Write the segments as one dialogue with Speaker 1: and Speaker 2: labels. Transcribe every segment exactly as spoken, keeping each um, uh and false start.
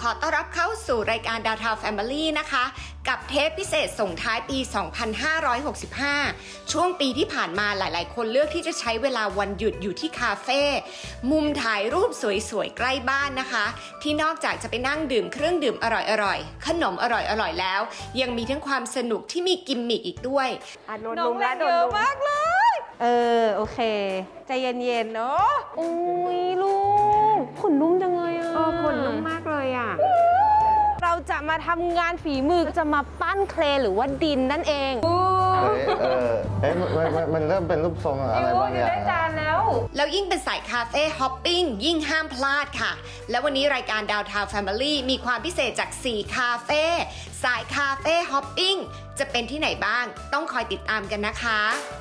Speaker 1: อต้อนรับเข้าสู่รายการดาวทาวแฟมิลี่นะคะกับเทปพิเศษส่งท้ายปี สองพันห้าร้อยหกสิบห้า ช่วงปีที่ผ่านมาหลายๆคนเลือกที่จะใช้เวลาวันหยุดอยู่ที่คาเฟ่มุมถ่ายรูปสวยๆใกล้บ้านนะคะที่นอกจากจะไปนั่งดื่มเครื่องดื่มอร่อยๆขนมอร่อยๆแล้วยังมีทั้งความสนุกที่มีกิมมิกอีกด้วย
Speaker 2: น้องเล่นเยอะมากเลยเออโอเคใจเย็นๆเนาะอุ้ยลูกขนนุ่มจังเลยอ่ะ
Speaker 1: เออขนนุ่มมากเลยอ่ะ
Speaker 2: เราจะมาทำงานฝีมือจะมาปั้นเคลหรือว่าดินนั่นเองเ
Speaker 3: ฮ้ยเออเอ๊ะมันมันเริ่มเป็นรูปทรงอะไรบางอย่างได้
Speaker 2: จานแล้ว
Speaker 1: แล้วยิ่งเป็นสายคาเฟ่ฮอปปิ้งยิ่งห้ามพลาดค่ะแล้ววันนี้รายการดาวทาวแฟมิลี่มีความพิเศษจากสี่คาเฟ่สายคาเฟ่ฮอปปิ้งจะเป็นที่ไหนบ้างต้องคอยติดตามกันนะคะ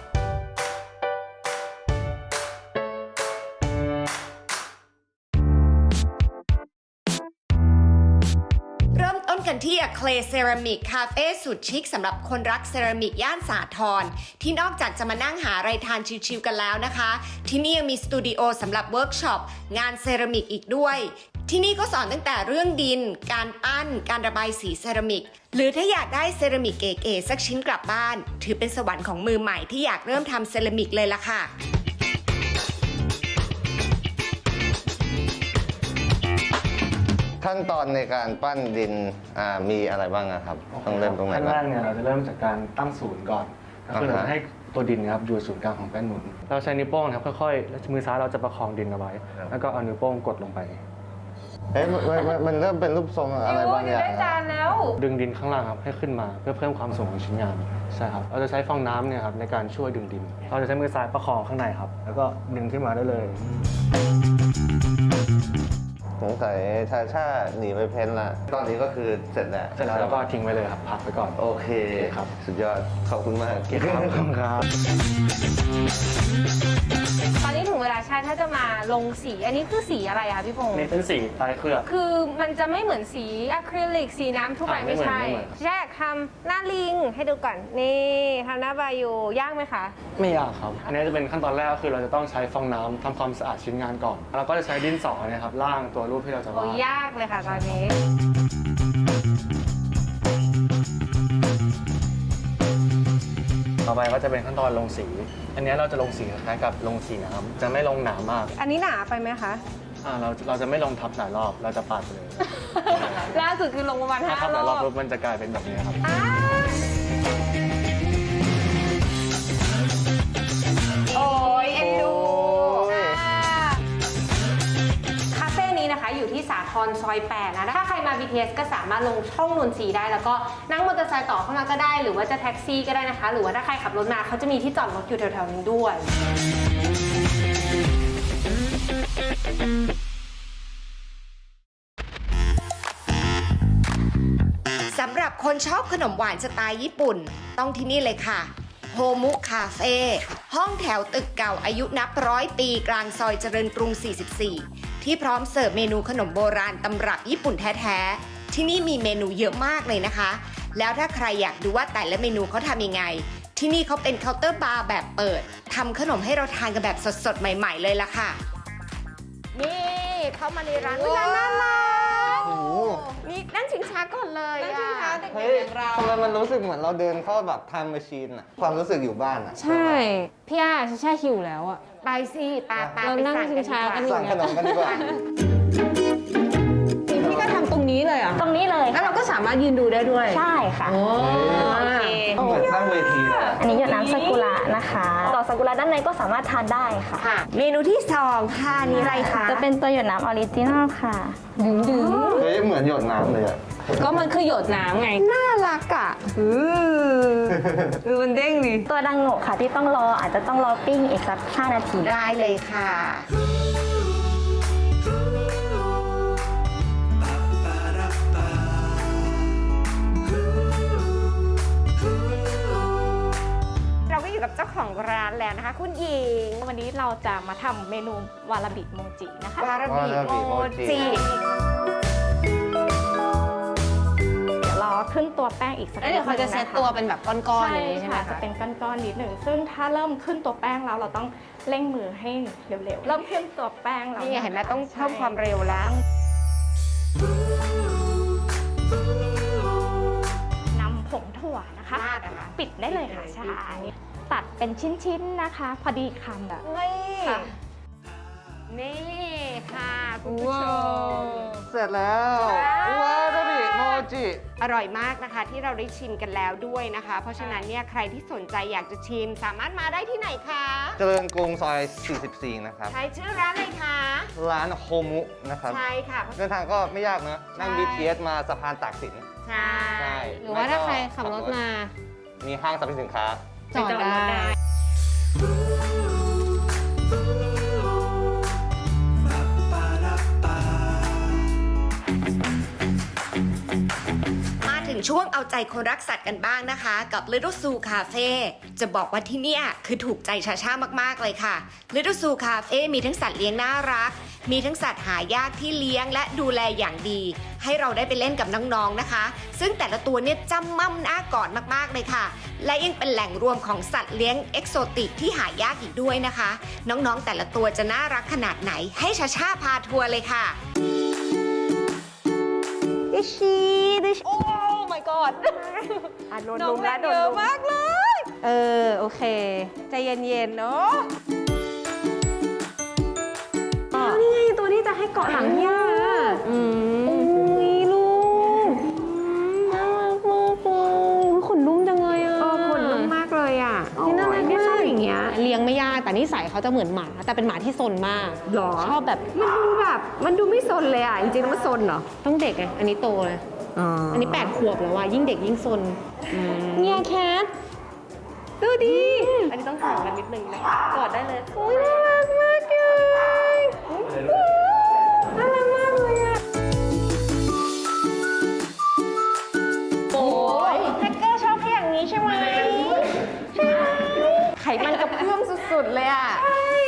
Speaker 1: เริ่มต้นกันที่ Clay Ceramic Cafe สุดชิคสำหรับคนรักเซรามิกย่านสาทรที่นอกจากจะมานั่งหาอะไรทานชิลๆกันแล้วนะคะที่นี่ยังมีสตูดิโอสำหรับเวิร์กช็อปงานเซรามิกอีกด้วยที่นี่ก็สอนตั้งแต่เรื่องดินการปั้นการระบายสีเซรามิกหรือถ้าอยากได้เซรามิกเก๋ๆสักชิ้นกลับบ้านถือเป็นสวรรค์ของมือใหม่ที่อยากเริ่มทำเซรามิกเลยล่ะค่ะ
Speaker 3: ขั้นตอนในการปั้นดินมีอะไรบ้างครับต้องเริ่มตรงไหน
Speaker 4: ขั้นแรกเนี่ยเราจะเริ่มจากการตั้งศูนย์ก่อนก็คือเราจะให้ตัวดินนะครับอยู่ศูนย์กลางของแป้นหนุนเราใช้นิ้วโป้งครับค่อยๆมือซ้ายเราจะประคองดินเอาไว้แล้วก็เอานิ้วโป้งกดลงไป
Speaker 3: เอ๊ะมันมันเริ่มเป็นรูปทรงอะไรบางอย่าง
Speaker 2: ได้จานแล้ว
Speaker 4: ดึงดินข้างล่างครับให้ขึ้นมาเพื่อเพิ่มความสูงของชิ้นงานใช่ครับเราจะใช้ฟองน้ำเนี่ยครับในการช่วยดึงดินเราจะใช้มือซ้ายประคองข้างในครับแล้วก็ดึงขึ้นมาได้เลย
Speaker 3: สงสัยชาชาหนีไปเพ้นละตอนนี้ก็คือเสร็จแล้ว
Speaker 4: เสร็จแล้วแล้วก็ทิ้งไว้เลยครับพักไปก่อน
Speaker 3: โอเค
Speaker 4: ครับ
Speaker 3: สุดยอดขอบคุณมาก
Speaker 4: ครับขอบคุณครับ
Speaker 2: ตอนนี้ถึงเวลาใช่ถ้าจะมาลงสีอันนี้คือสีอะไรคะพี่พงษ์
Speaker 4: นี่เป็นสีใต้เคลือบ
Speaker 2: คือมันจะไม่เหมือนสีอะคริลิกสีน้ำทั่วไปไม่ใช่แยกทำหน้าลิงให้ดูก่อนนี่ทำหน้าบายูยากไหมคะ
Speaker 4: ไม่ยากครับอันนี้จะเป็นขั้นตอนแรกก็คือเราจะต้องใช้ฟองน้ำทำความสะอาดชิ้นงานก่อนเราก็จะใช้ดินสอนะครับล่างตัวรูปที่เราจะวาด
Speaker 2: ยากเลยค่ะตอนนี้
Speaker 4: ต่อไปก็จะเป็นขั้นตอนลงสีอันนี้เราจะลงสีคล้ายๆกับลงสีน้ำจะไม่ลงหนามาก
Speaker 2: อันนี้หนาไปไหมคะ
Speaker 4: อ่าเราเราจะไม่ลงทับหลายรอบเราจะปาดไปเลย
Speaker 2: ล่าสุดคือลงประมาณห้ารอบ
Speaker 4: ทับหลายรอบปุ๊บมันจะกลายเป็นแบบนี้ครับ
Speaker 2: โอ้ยเอ็นดูคาเฟ่นี้นะคะอยู่ที่สาทรซอยแปดนะถ้าใครมา บี ที เอส ก็สามารถลงช่องนนทรีได้แล้วก็นั่งมอเตอร์ไซค์ต่อเข้ามาก็ได้หรือว่าจะแท็กซี่ก็ได้นะคะหรือว่าถ้าใครขับรถมาเขาจะมีที่จอดรถอยู่แถวๆนี้ด้วย
Speaker 1: สำหรับคนชอบขนมหวานสไตล์ญี่ปุ่นต้องที่นี่เลยค่ะโฮมุคาเฟ่ห้องแถวตึกเก่าอายุนับร้อยปีกลางซอยเจริญกรุง สี่สิบสี่ ที่พร้อมเสิร์ฟเมนูขนมโบราณตำรับญี่ปุ่นแท้ๆที่นี่มีเมนูเยอะมากเลยนะคะแล้วถ้าใครอยากดูว่าแต่ละเมนูเขาทำยังไงที่นี่เขาเป็นเคาน์เตอร์บาร์แบบเปิดทำขนมให้เราทานกันแบบสดๆใหม่ๆเลยล่ะค่ะนี่เข้ามาในร้านร้านน่ารักนี่นั่งชิงช้าก่อนเลยนั่งชิงช้าเด็กๆอย่างเรา
Speaker 3: ทำไมมันรู้สึกเหมือนเราเดินเข้าแบบไทม์แมชชีนอะความรู้สึกอยู่บ้านอะ
Speaker 2: ใช่พี่อาชาชาหิวแล้วอะ
Speaker 1: ไปสิตาตา
Speaker 2: เรานั่งชิงช้ากัน
Speaker 3: สั่งขนมกันดีกว่า
Speaker 2: พี่ก็ทำตรงนี้เลยอ่ะ
Speaker 5: ตรงนี้เลย
Speaker 2: แล้วเราก็สามารถยืนดูได้ด้วย
Speaker 5: ใช่ค่ะ
Speaker 2: โอเค
Speaker 3: เหมือนตั้งเวทีเลย
Speaker 5: อันนี้หยดน้ำซากุระนะคะดอกซากุระด้านในก็สามารถทานได้ค่ะ
Speaker 1: เมนูที่สองค่ะนี่อะไรคะ
Speaker 5: จะเป็นตัวหยดน้ำออริจินอลค่ะ
Speaker 2: ดึงดึง
Speaker 3: เฮ้ยเหมือนหยดน้ำเลยอะ
Speaker 2: ก็มันคือหยดน้ำไงน่ารักอ่ะเออเออมันเด้งดิ
Speaker 5: ตัวดังโงะค่ะที่ต้องรออาจจะต้องรอปิ้งอีกสักห้านาที
Speaker 1: ได้เลยค่ะเราก็อยู่กับเจ้าของร้านแล้วนะคะคุณหญิง
Speaker 6: วันนี้เราจะมาทำเมนูวาราบิโมจินะคะ
Speaker 1: วาราบิโมจิ
Speaker 6: เดี๋ยวรอขึ้นตัวแป้งอีกสักนิดนึง
Speaker 2: เขาจะเซตตัวเป็นแบบก้อนๆอย่างนี้ใช่ไหม
Speaker 6: จะเป็นก้อนๆนิดหนึ่งซึ่งถ้าเริ่มขึ้นตัวแป้งแล้วเราต้องเร่งมือให้เร็วๆเริ่มขึ้นตัวแป้งแล้ว
Speaker 1: นี่เห็นไหมต้องเพิ่มความเร็วแล้ว
Speaker 6: ตัวนะคะ
Speaker 1: ราดอะคะ
Speaker 6: ปิดได้เลยค่ะใช่ตัดเป็นชิ้นๆนะคะ พอดีคำแบบ
Speaker 2: นี่
Speaker 6: ค่ะ
Speaker 2: นี่ค่ะคุณผู้ชม
Speaker 3: เสร็จแล้ววาซาบิโมจิ
Speaker 1: อร่อยมากนะคะที่เราได้ชิมกันแล้วด้วยนะคะ เพราะฉะนั้นเนี่ยใครที่สนใจอยากจะชิม สามารถมาได้ที่ไหนคะ
Speaker 3: เจริญกรุงซอย สี่สิบสี่ นะครับ
Speaker 1: ใช้ชื่อร้านอะไรคะ
Speaker 3: ร้านโฮมุนะครับ
Speaker 1: ใช่ค่ะ
Speaker 3: เดินทางก็ไม่ยากเนอะนั่ง
Speaker 1: ใช่
Speaker 3: บี ที เอส มาสะพานตากสิน
Speaker 1: ใช่
Speaker 3: ใช่
Speaker 2: หรือว่าถ้าใครขับรถมา
Speaker 3: มีห้างสรรพสินค้า
Speaker 2: จอดได้
Speaker 1: มาถึงช่วงเอาใจคนรักสัตว์กันบ้างนะคะ กับ Little Zoo Cafe จะบอกว่าที่เนี่ยคือถูกใจชาชามากๆเลยค่ะ Little Zoo Cafe มีทั้งสัตว์เลี้ยงน่ารัก มีทั้งสัตว์หายากที่เลี้ยงและดูแลอย่างดี ให้เราได้ไปเล่นกับน้องๆนะคะ ซึ่งแต่ละตัวเนี่ยจำม่ำหน้ากอดมากๆเลยค่ะ และยังเป็นแหล่งรวมของสัตว์เลี้ยงเอกโซติกที่หายากอีกด้วยนะคะ น้องๆแต่ละตัวจะน่ารักขนาดไหนให้ชาชาพาทัวร์เลยค่ะ
Speaker 5: ดิชีดิชโอ้ my god อ่ะโดน
Speaker 2: น้อ
Speaker 5: ลุ
Speaker 2: ง
Speaker 5: ม
Speaker 2: เล่
Speaker 5: แล้ว
Speaker 2: น
Speaker 5: โดน
Speaker 2: เยอะ
Speaker 5: ลุม
Speaker 2: มากเลย เออ โอเค ใจเย็นๆ เนาะนี่ไงตัวที่จะให้เกาะหลังย่าอืมอุ้ยลูกน่ารักมากเลยขนนุ่มจังเลยอ่ะ
Speaker 1: เออขนนุ่มมากเลยอ่ะ
Speaker 2: นี่น่ารัก
Speaker 1: เนี่ย
Speaker 2: มา
Speaker 1: ชอบ
Speaker 2: ก
Speaker 1: อย่างเงี้ย
Speaker 2: เลี้ยงไม่ยากแต่นิสัยเขาจะเหมือนหมา แต่เป็นหมาที่ซนมาก
Speaker 1: หรอ
Speaker 2: ชอบแบบ
Speaker 1: มันดูแบบมันดูไม่ซนเลยอ่ะ จริงๆแล้วมันซนเหรอ
Speaker 2: ต้องเด็กไงอันนี้โตเลย อันนี้แปดขวบแล้วว่ะยิ่งเด็กยิ่งซนเนี่ยแคทดูดี อันนี้ต้องห่างกันนิดนึงนะคะกอดได้เลยโอ้ยน่ารักมากเลยน่ารักมากเลยอ่ะโอ้ย
Speaker 5: แฮกเกอร์ชอบแค่อย่างนี้ใช่ไหม
Speaker 1: ไขมันกระเพื่อมสุดๆเลยอ่ะ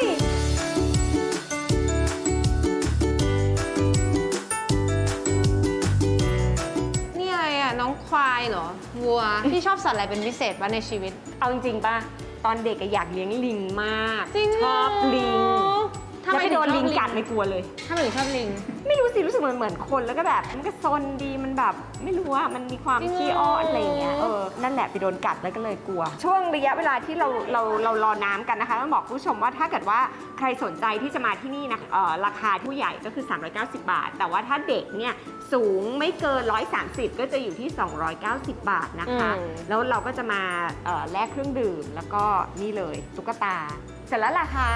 Speaker 2: นี่อะไรอ่ะน้องควายเหรอวัวพี่ชอบสัตว์อะไรเป็นพิเศษวะในชีวิต
Speaker 1: เอาจริงๆป่ะ ตอนเด็กอะอยากเลี้ยงลิงมาก
Speaker 2: จริง
Speaker 1: ชอบลิง
Speaker 2: ทำไม
Speaker 1: แล้วไปโดนลิงกัด
Speaker 2: ถึงชอบลิง
Speaker 1: ไม่กลัวเลย
Speaker 2: ถ้าหนูชอบลิง
Speaker 1: ไม่รู้สิรู้สึกเหมือนเหมือนคนแล้วก็แบบ มันก็ซนดีมันแบบ ไม่รู้ว่ามันมีความ
Speaker 2: จริงเหรอ
Speaker 1: ขี้อ้อนอะไรอย่างเงี้ยเออนั่นแหละไปโดนกัดแล้วก็เลยกลัว ช่วงระยะเวลาที่เราเราเรารอน้ำกันนะคะต้องบอกคุณผู้ชมว่าถ้าเกิดว่าใครสนใจที่จะมาที่นี่นะเอ่อราคาผู้ใหญ่ก็คือ สามร้อยเก้าสิบบาท แต่ว่าถ้าเด็กเนี่ยสูงไม่เกินหนึ่งร้อยสามสิบก็จะอยู่ที่ สองร้อยเก้าสิบบาทนะคะ
Speaker 2: อืม
Speaker 1: แล้วเราก็จะมาเอ่อแลกเครื่องดื่มแล้วก็นี่เลยตุ๊กตาเสร็จแล้วล่ะค่ะ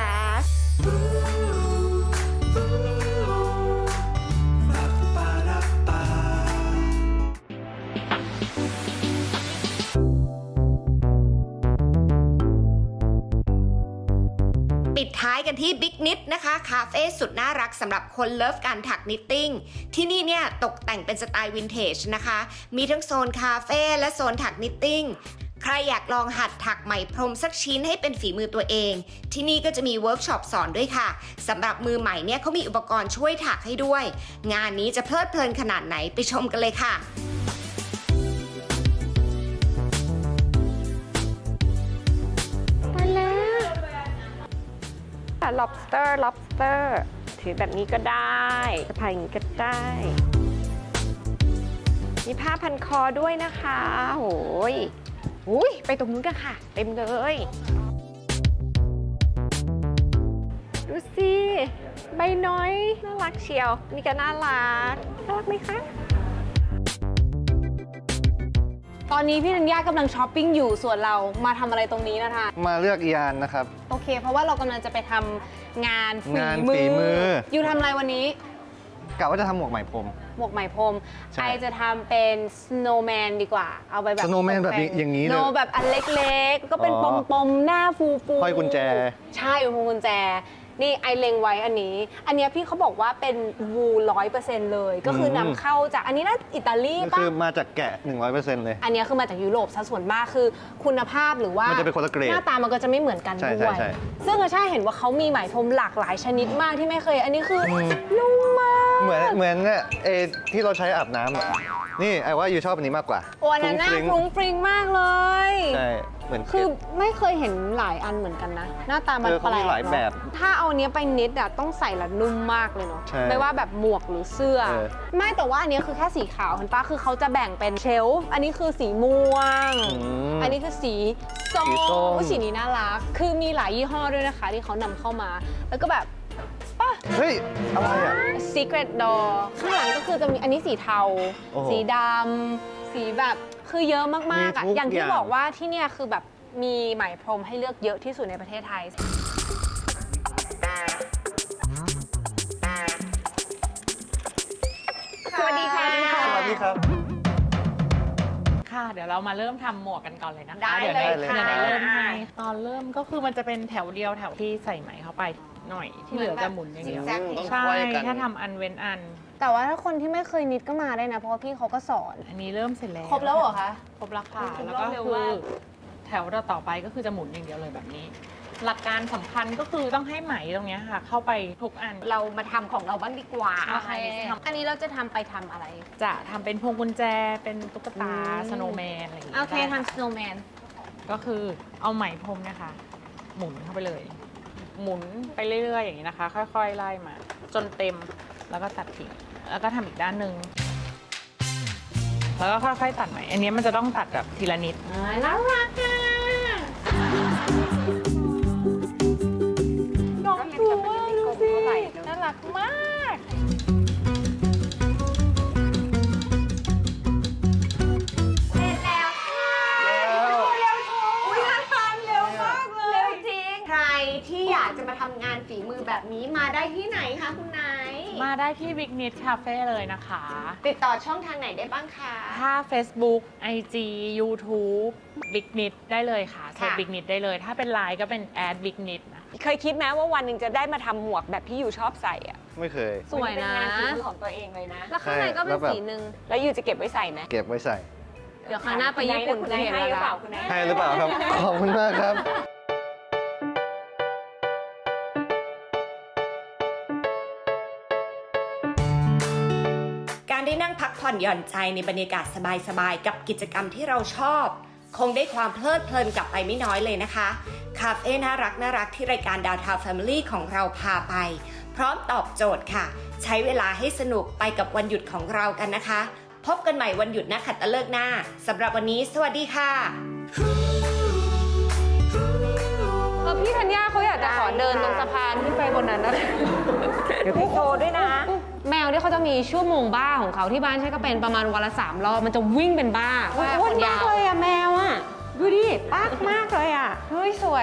Speaker 1: ปิดท้ายกันที่บิ๊กนิดนะคะคาเฟ่สุดน่ารักสำหรับคนเลิฟการถักนิตติ้งที่นี่เนี่ยตกแต่งเป็นสไตล์วินเทจนะคะมีทั้งโซนคาเฟ่และโซนถักนิตติ้งใครอยากลองหัดถักไหมพรมสักชิ้นให้เป็นฝีมือตัวเอง ที่นี่ก็จะมีเวิร์กช็อปสอนด้วยค่ะสำหรับมือใหม่เนี่ยเขามีอุปกรณ์ช่วยถักให้ด้วย งานนี้จะเพลิดเพลินขนาดไหนไปชมกันเลยค่ะ lobster lobster ถือแบบนี้ก็ได้สะพายอย่างนี้ก็ได้ มีผ้าพันคอด้วยนะคะโอ้ยอุ้ยไปตรงนู้นกันค่ะ เต็มเลย ดูสิ ใบน้อย น่ารักเชียว นี่ก็น่ารัก น่ารักไหมคะ
Speaker 2: ตอนนี้พี่ธัญญากำลังช้อปปิ้งอยู่ส่วนเรามาทำอะไรตรงนี้นะคะ
Speaker 3: มาเลือกอียานนะครับ
Speaker 2: โอเค เพราะว่าเรากำลังจะไปทำงานฝี
Speaker 3: งาน
Speaker 2: มื
Speaker 3: ฝีมือ
Speaker 2: อยู่ทำอะไรวันนี้
Speaker 3: กะว่าจะทำหมวกไหมพรม
Speaker 2: หมวกไหมพรม
Speaker 3: ใช่
Speaker 2: ไอจะทะเป็น snowman ดีกว่า เอาไปแบบ
Speaker 3: snowman แบบนี้อย่างนี้เลย
Speaker 2: โนแบบอันเล็กๆ ก็เป็น
Speaker 3: อ๋
Speaker 2: ป
Speaker 3: อ
Speaker 2: มๆ หน้าฟูๆ
Speaker 3: ห้อยกุญแจ
Speaker 2: ใช่พวงกุญแจ นี่ไอเล็งไว้อันนี้ อันเนี้ยพี่เขาบอกว่าเป็นวูร้อยเปอร์เซ็นต์เลย ก็คือนำเข้าจากอันนี้น่าอิตาลี
Speaker 3: ก็
Speaker 2: ป่ะ
Speaker 3: คือมาจากแกะ หนึ่งร้อยเปอร์เซ็นต์ เลย
Speaker 2: อันเนี้ยคือมาจากยุโรปซะส่วนมากคือคุณภาพหรือว่าม
Speaker 3: นจะเป็นคนละเกรด
Speaker 2: หน้าตามันก็จะไม่เหมือนกัน
Speaker 3: ใช่
Speaker 2: ด้วย
Speaker 3: ใช่ใช่
Speaker 2: ซึ่งอาชาเห็นว่าเขามีไหมพรมหลากหลายชนิดมากที่ไม่เคย อันนี้คืออ
Speaker 3: ม
Speaker 2: นุ่มมาก
Speaker 3: เหมือนเหมือนเนี่ยเอที่เราใช้อาบน้ำอะนี่ไอ้ว่าอยู่ชอบอันนี้มากกว่า
Speaker 2: โอ้อันนั้นน่า
Speaker 3: ฟรุ้งฟริ้ง
Speaker 2: ฟรุ้งฟริ้งมากเลย
Speaker 3: ใช่เหมือน
Speaker 2: คือไม่เคยเห็นหลายอันเหมือนกันนะ หน้าตามัน
Speaker 3: เออ
Speaker 2: แป
Speaker 3: เขา
Speaker 2: ล
Speaker 3: มี
Speaker 2: ก
Speaker 3: หลายแบบ
Speaker 2: เนอะถ้าเอาเนี้ยไปเน็ตอะต้องใส่และนุ่มมากเลยเนาะ
Speaker 3: ใช่
Speaker 2: ไม่ว่าแบบหมวกหรือเสื้อ
Speaker 3: เออ
Speaker 2: ไม่แต่ว่าอันเนี้ยคือแค่สีขาวเห็นปะคือเขาจะแบ่งเป็นเชลฟ์อันนี้คือสีม่วง
Speaker 3: ม
Speaker 2: อันนี้คือสีส้ม
Speaker 3: สีส้ม
Speaker 2: อุ๊ยสีนี้น่ารัก คือมีหลายยี่ห้อด้วยนะคะ ที่เขานำเข้ามา แล้วก็แบบป่ะ
Speaker 3: เฮ้ย อะไรอ่ะ
Speaker 2: Secret Door ข้างหลังก็คือจะมีอันนี้สีเทา
Speaker 3: โอ้โห
Speaker 2: สีดำ สีแบบ คือเยอะมากๆอ่ะ
Speaker 3: มีทุก
Speaker 2: อย่างที่
Speaker 3: อย่าง
Speaker 2: บอกว่าที่เนี่ยคือแบบมีไหมพรมให้เลือกเยอะที่สุดในประเทศไทย สวัสดีค่ะ
Speaker 3: สวัสดีครับ
Speaker 7: ค่ะเดี๋ยวเรามาเริ่มทำหมวกกันก่อนเลยนะคะ
Speaker 2: ได้
Speaker 7: เดี๋ยว
Speaker 2: เลย
Speaker 7: เดี๋ยว
Speaker 2: ค่ะ
Speaker 7: ได้เริ่มให้ตอนเริ่มก็คือมันจะเป็นแถวเดียวแถวที่ใส่ไหมเข้าไปหน่อยที่เหลือจะหมุนอย่างเดียว
Speaker 2: เหมือนแบบ
Speaker 3: ต้อง
Speaker 7: ใช่
Speaker 3: ไขว้กัน
Speaker 7: ถ้าทำอันเว้นอัน
Speaker 2: แต่ว่าถ้าคนที่ไม่เคยนิดก็มาได้นะ เพราะว่าพี่เขาก็สอน
Speaker 7: อันนี้เริ่มเสร็จแล้ว
Speaker 2: ครบแล้วเหรอคะ
Speaker 7: ครบแล้วค่ะ
Speaker 2: ครบ
Speaker 7: แล้ว
Speaker 2: รอบ
Speaker 7: ก็
Speaker 2: เร็ว
Speaker 7: คือ
Speaker 2: มาก
Speaker 7: แถวต่อไปก็คือจะหมุนอย่างเดียวเลยแบบนี้ หลักการสำคัญก็คือต้องให้ไหมตรงเนี้ยค่ะ เข้าไปทุกอัน
Speaker 2: เรามาทำของเราบ้างดีกว่า
Speaker 7: ใช่
Speaker 2: อันนี้เราจะทำไปทำอะไร
Speaker 7: จะทำเป็นพวงกุญแจเป็นตุ๊กตา
Speaker 2: อืม
Speaker 7: สโนว์แมนอะไรอย่างเงี้ย
Speaker 2: โอเค
Speaker 7: ได้ค่ะ
Speaker 2: ทำ snowman
Speaker 7: ก็คือเอาไหมพรมเนี่ยค่ะหมุนเข้าไปเลย หมุนไปเรื่อยๆอย่างนี้นะคะ ค่อยๆไล่มา จนเต็มแล้วก็ตัดทิ้งแล้วก็ทำอีกด้านหนึ่งแล้วก็ค่อยๆตัดไหมอันนี้มันจะต้องตัดแบบทีละนิด
Speaker 2: น่ารักอ่ะ
Speaker 7: น้องดูว่าดูสิน่ารักมาก
Speaker 1: เสร็จแล้วค่ะอุ้ยงานทานเร็วมากเลยเร็วจริง ใครที่อยากจะมาทำงานฝีมือแบบนี้มาได้ที่ไหนคะคุณไนท์
Speaker 7: มาได้ที่ Big Knit Cafe เลยนะคะ
Speaker 1: ติดต่อช่องทางไหนได้บ้างคะ
Speaker 7: ถ้า Facebook ไอ จี YouTube Big Knit ได้เลยค่ะเซิร์ช
Speaker 1: ค่ะ
Speaker 7: Big Knit ได้เลย ถ้าเป็นไลน์ก็เป็น แอด Big Knit นะ
Speaker 5: เคยคิดไหมว่าวันหนึ่งจะได้มาทำหมวกแบบที่อยู่ชอบใส่อะ
Speaker 3: ไม่เคย
Speaker 2: สวยนะ
Speaker 5: เป็นงานฝีมือของตัวเองเลยนะ
Speaker 2: แล้วข้างในก็เป็นสีหนึ่ง
Speaker 5: แล้วอยู่จะเก็บไว้ใส่ไหม
Speaker 3: เก็บไว้ใส่
Speaker 2: เดี๋ยวครั้งหน้าไปญี่ปุ่น
Speaker 5: คุณ
Speaker 2: จะ
Speaker 5: นาย
Speaker 2: เห็น
Speaker 5: ให้หรือ
Speaker 2: แล้ว
Speaker 5: เปล่า
Speaker 2: นะ
Speaker 5: คุณนาย
Speaker 3: ให้หรือเปล่าครับ ขอบคุณมากครับ
Speaker 1: การได้นั่งพักผ่อนหย่อนใจในบรรยากาศสบายๆกับกิจกรรมที่เราชอบ คงได้ความเพลิดเพลินกลับไปไม่น้อยเลยนะคะ คาเฟ่น่ารักน่ารักที่รายการดาวทาวแฟมิลี่ของเราพาไป พร้อมตอบโจทย์ค่ะ ใช้เวลาให้สนุกไปกับวันหยุดของเรากันนะคะ พบกันใหม่วันหยุดนักขัตฤกษ์หน้าสำหรับวันนี้สวัสดีค่ะ
Speaker 2: เออพี่ธัญญาเขาอยากจะขอเดินตรงสะพานขึ้นไปบนนั้นนะ
Speaker 5: เดี๋ยวพี่โชว์ด้วยนะ
Speaker 2: แมวเนี่ยเขาจะมีชั่วโมงบ้าของเขาที่บ้านใช้ก็เป็นประมาณวันละสามรอบ มันจะวิ่งเป็นบ้า
Speaker 5: อ้วนมากเลยอะแมวอะดูดิปากมากเลยอะ
Speaker 2: เฮ้ย สวย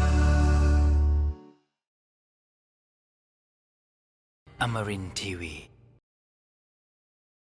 Speaker 8: Amarin Tiwi.